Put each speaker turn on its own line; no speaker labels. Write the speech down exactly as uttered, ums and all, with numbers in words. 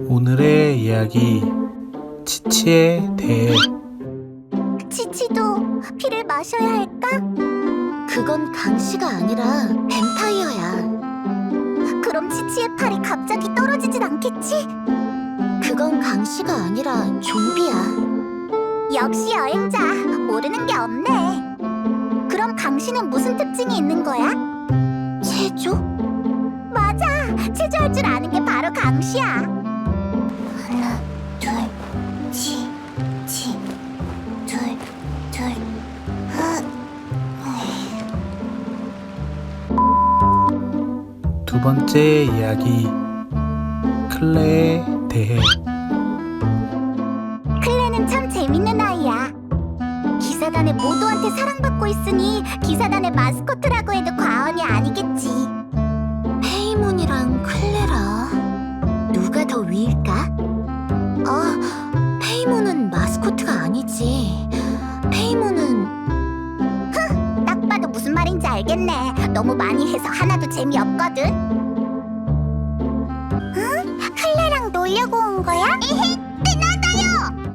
오늘의 이야기, 치치에 대해.
치치도 피를 마셔야 할까? 그건 강씨가 아니라 뱀파이어야. 그럼 치치의 팔이 갑자기 떨어지진 않겠지? 그건 강씨가 아니라 좀비야. 역시 여행자, 모르는 게 없네. 그럼 강씨는 무슨 특징이 있는 거야? 체조? 맞아, 체조할 줄 아는 게 바로 강씨야. 하나, 둘, 치, 치, 둘, 둘, 하.
두 번째 이야기, 클레에 대해.
클레는 참 재밌는 아이야. 기사단의 모두한테 사랑받고 있으니 기사단의 마스코트라고 해도 과언이 아니겠지. 페이몬이랑 클레라, 누가 더 위일까? 아, 페이몬은 마스코트가 아니지. 페이몬은... 흥! 딱 봐도 무슨 말인지 알겠네. 너무 많이 해서 하나도 재미없거든. 응? 클레랑 놀려고 온 거야? 에헤.